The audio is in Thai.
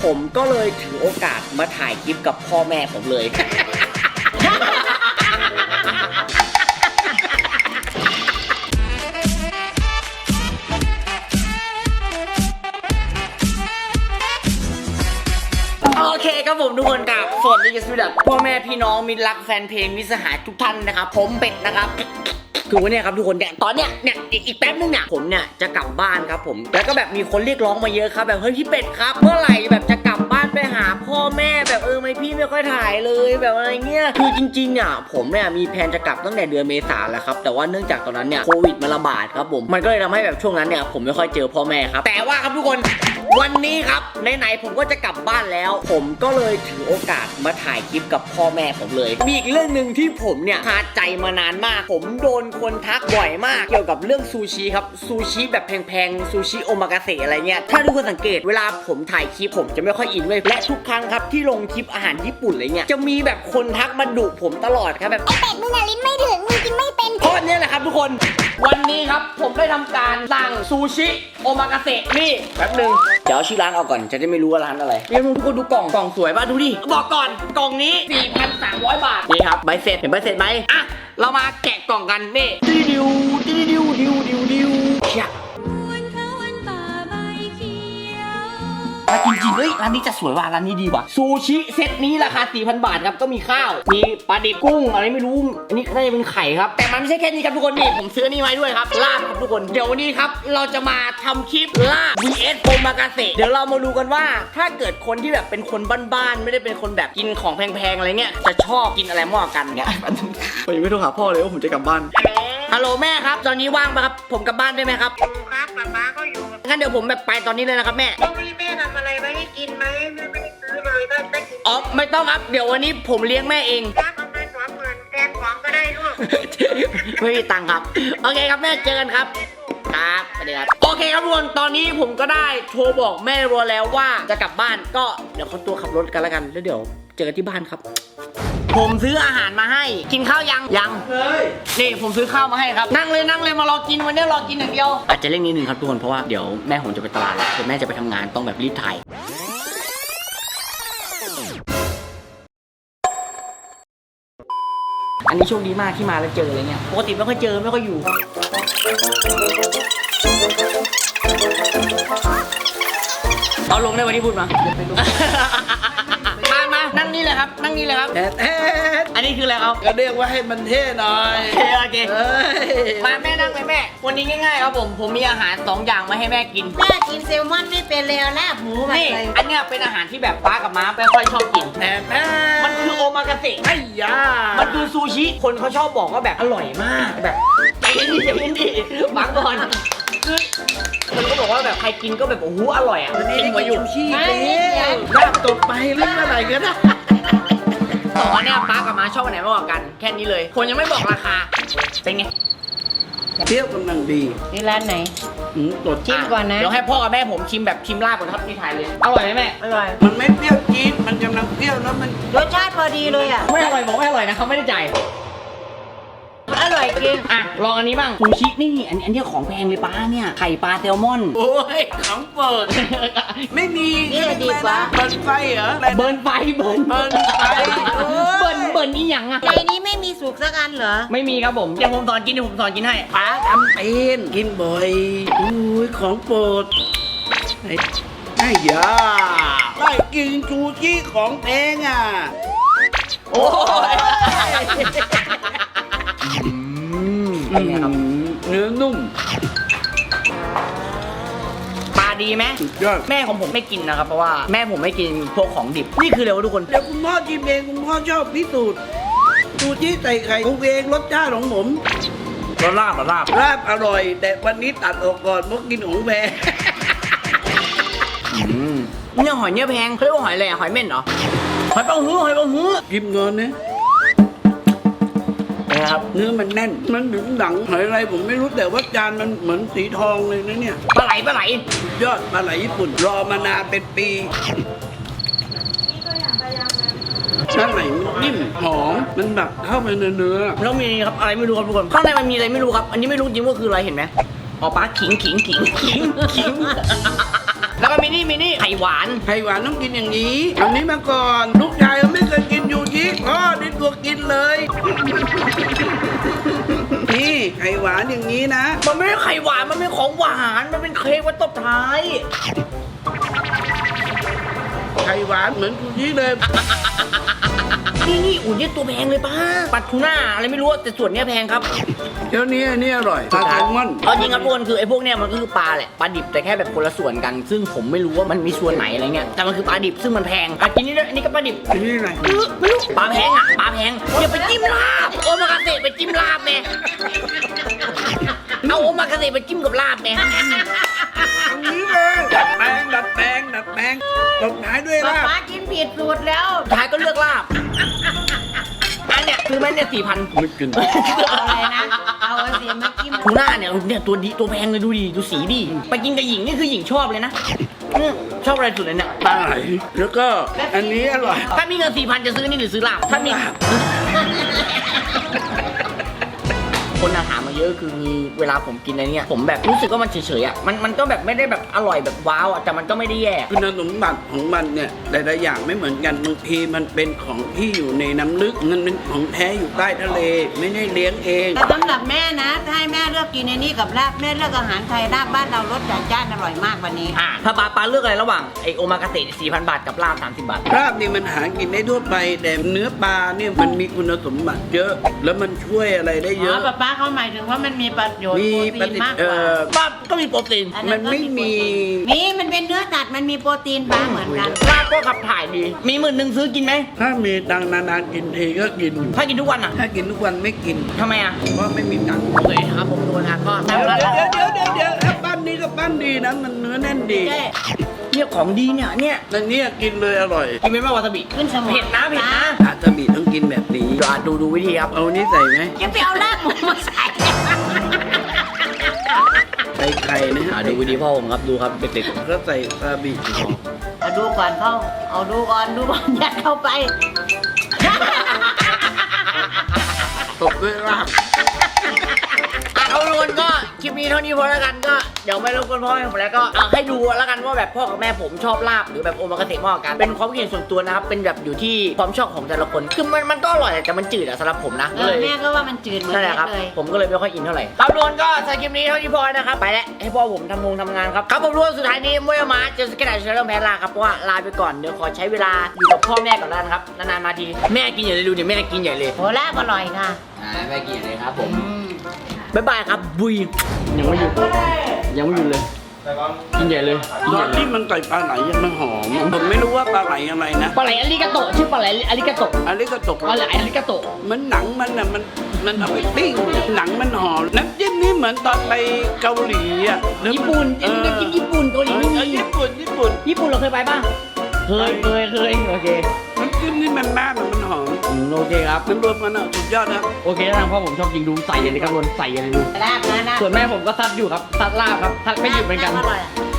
ผมก็เลยถือโอกาสมาถ่ายคลิปกับพ่อแม่ผมเลย โอเคครับผมทุกคนครับสวัสดีกันสวัสดีพ่อแม่พี่น้องมิตรรักแฟนเพลงมิตรสหายทุกท่านนะครับผมเป็ดนะครับคือวันนี้ครับทุกคนเนี่ยตอนเนี้ยอีกแป๊บนึงเนี่ยผมเนี่ยจะกลับบ้านครับผมแล้วก็แบบมีคนเรียกร้องมาเยอะครับแบบเฮ้ยพี่เป็ดครับเมื่อไหร่แบบจะกลับบ้านไปหาพ่อแม่แบบไม่พี่ไม่ค่อยถ่ายเลยแบบอะไรเงี้ยคือจริงๆเนี่ยผมเนี่ยมีแผนจะกลับตั้งแต่เดือนเมษาแล้วครับแต่ว่าเนื่องจากตอนนั้นเนี่ยโควิดมันระบาดครับผมมันก็เลยทำให้แบบช่วงนั้นเนี่ยผมไม่ค่อยเจอพ่อแม่ครับแต่ว่าครับทุกคนวันนี้ครับไหนๆผมก็จะกลับบ้านแล้วผมก็เลยถือโอกาสมาถ่ายคลิปกับพ่อแม่ผมเลยมีอีกเรื่องหนึ่งที่ผมเนี่ยคาใจมานานมากผมโดนคนทักบ่อยมากเกี่ยวกับเรื่องซูชิครับซูชิแบบแพงๆซูชิโอมากาเสะอะไรเงี้ยถ้าทุกคนสังเกตเวลาผมถ่ายคลิปผมจะไม่ค่อยอินเลยและทุกครั้งครับที่ลงคลิปอาหารญี่ปุ่นอะไรเงี้ยจะมีแบบคนทักมาดุผมตลอดครับแบบเป็ดมึงอะลิ้นไม่ถึงมึงกินไม่เป็นเพราะนี่แหละครับทุกคนวันนี้ครับผมได้ทำการสั่งซูชิโอมากาเสะนี่แป๊บนึงเดี๋ยวชื่อร้านเอาก่อนจะได้ไม่รู้ว่าร้านอะไรนี่ทุกคนดูกล่องสวยป่ะดูดิบอกก่อนกล่องนี้ 4,300 บาทนี่ครับใบเสร็จเห็นใบเสร็จไหมอ่ะเรามาแกะกล่องกันนี่ดิวเชี่ยจริงๆเฮ้ยร้านนี้จะสวยว่ะร้านนี้ดีว่ะซูชิเซตนี้ราคา 4,000 บาทครับก็มีข้าวมีปลาดิบกุ้งอะไรไม่รู้อันนี้น่าจะเป็นไข่ครับแต่มันไม่ใช่แค่นี้ครับทุกคนนี่ผมซื้อนี่ไว้ด้วยครับลาบครับทุกคนเดี๋ยววันนี้ครับเราจะมาทำคลิปลาบ vs โอมากาเสะเดี๋ยวเรามาดูกันว่าถ้าเกิดคนที่แบบเป็นคนบ้านๆไม่ได้เป็นคนแบบกินของแพงๆอะไรเงี้ยจะชอบกินอะไรมากกันเนี่ยผมยังไม่โทรหาพ่อเลยว่าผมจะกลับบ้านฮัลโหลแม่ครับตอนนี้ว่างปะครับผมกลับบ้านได้ไหมครับครับป้าก็อยู่งั้นเดี๋ยวผมแบบไปตอนนี้เลยนะครับแม่แม่ทำอะไรไว้ให้กินไหมแม่ไม่ได้ซื้อเลยได้กินอ๋อไม่ต้องครับเดี๋ยววันนี้ผมเลี้ยงแม่เองครับเอาไป20,000แทนของก็ได้ลูกไม่มีตังค์ครับโอเคครับแม่เจอกันครับครับสวัสดีครับโอเคครับทุกคนตอนนี้ผมก็ได้โทรบอกแม่รัวแล้วว่าจะกลับบ้านก็เดี๋ยวเขาตัวขับรถกันแล้วกันแล้วเดี๋ยวเจอกันที่บ้านครับผมซื้ออาหารมาให้กินข้าวยังนี่ผมซื้อข้าวมาให้ครับนั่งเลยมารอกินวันนี้รอกินอย่างเดียวอาจจะเร่งนิดนึงครับทุกคนเพราะว่าเดี๋ยวแม่ผมจะไปตลาดแล้วเดี๋ยวแม่จะไปทำงานต้องแบบรีบถ่ายอันนี้โชคดีมากที่มาแล้วเจออะไรเงี้ยปกติไม่ค่อยเจอไม่ค่อยอยู่เอาลงได้วันนี้พูดมามานั่งนี่เลยครับนั่งนี่เลยครับอันนี้คืออะไรครับก็เรียกว่าให้มันเท่หน่อยโอเคมาแม่นั่งไปแม่วันนี้ง่ายๆครับผมมีอาหาร2อย่างมาให้แม่กินแม่กินแซลมอนไม่เป็นเลยลาบหมูมาเลยอันเนี้ยเป็นอาหารที่แบบป้ากับม้าไม่ค่อยชอบกินมันคือโอมากาเสะไอ้ยามันคือซูชิคนเขาชอบบอกว่าแบบอร่อยมากแบบใจเย็นดิฟังก่อนคือมันก็บอกว่าแบบใครกินก็แบบโอ้โหอร่อยอ่ะกินหัวอยู่ขี้เลยลาบตกไปเรื่องอะไรกันนะต่อเนี่ยป้ากับม้าชอบอันไหนมากกว่ากันแค่นี้เลยคนยังไม่บอกราคาเป็นไงเที่ยวกำลังดีนี่ร้านไหนตดชิมก่อนนะเดี๋ยวให้พ่อกับแม่ผมชิมแบบชิมลาบก่อนครับที่ถ่ายเลยอร่อยไหมแม่อร่อยมันไม่เปรี้ยวจี๊ดมันกำลังเปรี้ยวแล้วมันรสชาติพอดีเลยอ่ะไม่อร่อยบอกไม่อร่อยนะเขาไม่ได้จ่ายอร่อยจริงอ่ะลองอันนี้บ้างซูชินี่อันนี้ของแพงเลยป้าเนี่ยไข่ปลาแซลมอนโอ้ยของเปิดไม่มีนี่ดีกว่าเบิร์นไฟเหรอเบิร์นไฟเบิร์นไฟนี่ยังอ่ะในนี้ไม่มีสุกสักอันเหรอไม่มีครับผมเดี๋ยวผมสอนกินให้ป้าทำเป็นกินบ่อยอุ้ยของโปรดไอ้ยาได้กินซูชิของแพงอ่ะโอ้ยเนื้อนุ่มปลาดีไหมสุดยอดแม่ของผมไม่กินนะครับเพราะว่าแม่ผมไม่กินพวกของดิบนี่คือเร็วทุกคนเดี๋ยวคุณพ่อชิมเองคุณพ่อชอบพิสูจน์ซูชิใส่ไข่ของเองรสชาติของผมลาบอร่อยแต่วันนี้ตัดออกก่อนเพราะกินของแพงเนี่ยหอยเนี่ยแพงเขาเรียกว่าหอยอะไรหอยเม่นเหรอหอยปังหูกินเงินเนี่ยนะครับเนื้อมันแน่นมันถึงหนังหอยอะไรผมไม่รู้แต่ว่าจานมันเหมือนสีทองเลยนะเนี่ยปลาไหลยอดปลาไหลญี่ปุ่นรอมานานเป็นปีด้านไหนมันนิ่มหอมมันแบบเข้าไปในเนื้อแล้วมีครับอะไรไม่รู้ครับทุกคนข้างในมันมีอะไรไม่รู้ครับอันนี้ไม่รู้จริงว่าคืออะไรเห็นไหมอ๋อปลาขิงแล้วก็มินี่ไข่หวานไข่หวานต้องกินอย่างนี้เอานี้มาก่อนลูกชายไม่เคยกินยูชิพ่อนี่ตัวกินเลย นี่ไข่หวานอย่างนี้นะมันไม่ใช่ไข่หวานมันเป็นของหวานมันเป็นเค้กไว้ตบท้ายไข่หวานเหมือนยูชิเลยนี่อุ่นนี่ตัวแพงเลยป้าปลาทูน่าอะไรไม่รู้แต่ส่วนเนี้ยแพงครับเดี๋ยวนี้อันนี้อร่อยปลาแซลมอนเอาจริงครับทุกคนคือไอ้พวกเนี้ยมันก็คือปลาแหละปลาดิบแต่แค่แบบคนละส่วนกัน ซึ่งผมไม่รู้ว่ามันมีส่วนไหนอะไรเงี้ยแต่มันคือปลาดิบซึ่งมันแพงอ่ะกินนี่ด้วยอันนี้ก็ปลาดิบอันนี้อะไรไม่รู้ปลาแพงอ่ะปลาแพงอย่าไปจิ้มลาบโอมากาเสะไปจิ้มลาบแม่เอาโอมากาเสะไปจิ้มกับลาบแม่อันนี้เลยดัดแปลงตบท้ายด้วยป๊าลาบป๊ากินผิดสูตรแล้วท้ายก็เลือกลาบอันเนี้ยคือแม่เนี่ย4,000 ไม่กินเอาอะไรนะ เอาสีมาจิ้มทูน่าเนี่ยตัวดีตัวแพงเลยดูดิดูสีดิไปกินกับหญิงนี่คือหญิงชอบเลยนะชอบอะไรสุดเลยเนี่ยปลาไหลแล้วก็อันนี้อร่อยถ้ามีเงิน4,000จะซื้อนี่หรือซื้อลาบถ้ามีลาบคนถามมาเยอะคือเวลาผมกินอะไรเนี่ยผมแบบรู้สึกว่ามันเฉยๆอ่ะมันก็แบบไม่ได้แบบอร่อยแบบว้าวอ่ะแต่มันก็ไม่ได้แย่คุณสมบัติของมันเนี่ยหลายๆอย่างไม่เหมือนกันบางทีมันเป็นของที่อยู่ในน้ำลึกมันเป็นของแท้อยู่ใต้ทะเลไม่ได้เลี้ยงเองแต่สำหรับแม่นะ ถ้าให้แม่เลือกกินในนี้กับลาบแม่เลือกอาหารไทยลาบบ้านเรารสจัดจ้านอร่อยมากวันนี้ถ้าปลาเลือกอะไรระหว่างไอโอมากาเสะ 4,000 บาทกับลาบ30 บาทลาบนี่มันหากินได้ทั่วไปแต่เนื้อปลาเนี่ยมันมีคุณสมบัติเยอะ แล้วมันช่วยอะไรได้เยอ๋ออะป๊าป๊าเขาหมายถึงว่ามันมีประโยชน์มีโปรตีนมากกว่าลาบก็มีโปรตีนอัมันไม่มีมันเป็นเนื้อสัตว์มันมีโปรตีนป๊าเหมือนกันลาบก็ขับถ่ายดีมี10,000ซื้อกินไหมถ้ามีตังค์นานๆกินทีก็กินอยู่ถ้ากินทุกวันอ่ะถ้ากินทุกวันไม่กินทำไมอ่ะเพราะไม่มีตังค์โอเคครับผมดูนะก็เดี๋ยวถ้าปั้นนี้ก็ปั้นดีนะมันเนื้อแน่นดีใช่เนี่ยของดีเนี่ยแต่เนี่ยกินเลยอร่อยกินเป็นไหมวาซาบิขึ้นสมองเผ็ดนะอาตบีต้องกินแบบนี้ดูวิธีครับเอานี้ใส่ไหมจะไปเอาลาบหมูมาใส่ใส่ไข่นะดูวิธีพ่อผมครับดูครับเด็กก็ใส่ซาบิเอาดูก่อนเข้า เอาดูก่อนยัดเข้าไปตบด้วยลาบเอาทุกคนก็คลิปนี้เท่านี้พอแล้วกันก็เดี๋ยวไม่รบกวนพ่อแม่ผมแล้วก็ให้ดูแล้วกันว่าแบบพ่อกับแม่ผมชอบลาบหรือแบบโอมากาเสะมากกว่ากันเป็นความคิดเห็นส่วนตัวนะครับเป็นแบบอยู่ที่ความชอบของแต่ละคนคือมันก็อร่อยแต่มันจืดอะสำหรับผมนะก็เลยแม่ก็ว่ามันจืดเหมือนนั่นแหกัละครับนเลยผมก็เลยไม่ค่อยอินเท่าไหร่ครับทุกคนก็สำหรับคลิปนี้เท่านี้พอนะครับไปแล้วให้พ่อผมทำงานครับครับผมทุกคนสุดท้ายนี้มวยมาเจอสกัดเชลล์แพ้ลาครับเพราะว่าลาไปก่อนเดี๋ยวขอใช้เวลาอยู่กับพ่อแม่ก่อนแล้วนะครับนานๆมาทีแม่กินใหญ่เลยดูเนี่ยแม่กินใหญ่เลยโหลาบอร่อยค่ะแม่กินใหญ่เลยครับผมบ๊ายบายครับบุยยังไม่หยุดเลยกินใหญ่เลยตอนที่มันใส่ปลาไหลยังมันหอมผมไม่รู้ว่าปลาไหลอะไรนะปลาไหลอาริกาโตะชื่อปลาไหลอาริกาโตะอันนี้ก็ตกปลาไหลอาริกาโตะมันหนังมันอ่ะมันเอาไปปิ้งหนังมันหอมน้ำจิ้มนี่เหมือนตอนไปเกาหลีอ่ะญี่ปุ่นอันนี้ก็กินญี่ปุ่นเกาหลีไม่มีญี่ปุ่นญี่ปุ่นเราเคยไปป่ะเคยโอเคน้ำจิ้มนี่มันมากมันหอมโอเคครับมันรวมกันอ่ะสุดยอดนะโอเคทางพ่อผมชอบกินดูใส่เลยครับทุกคนใส่เลยดูลาบนะส่วนแม่ผมก็ซัดอยู่ครับซัดลาบครับซัดไม่หยุดเหมือนกันอร่อย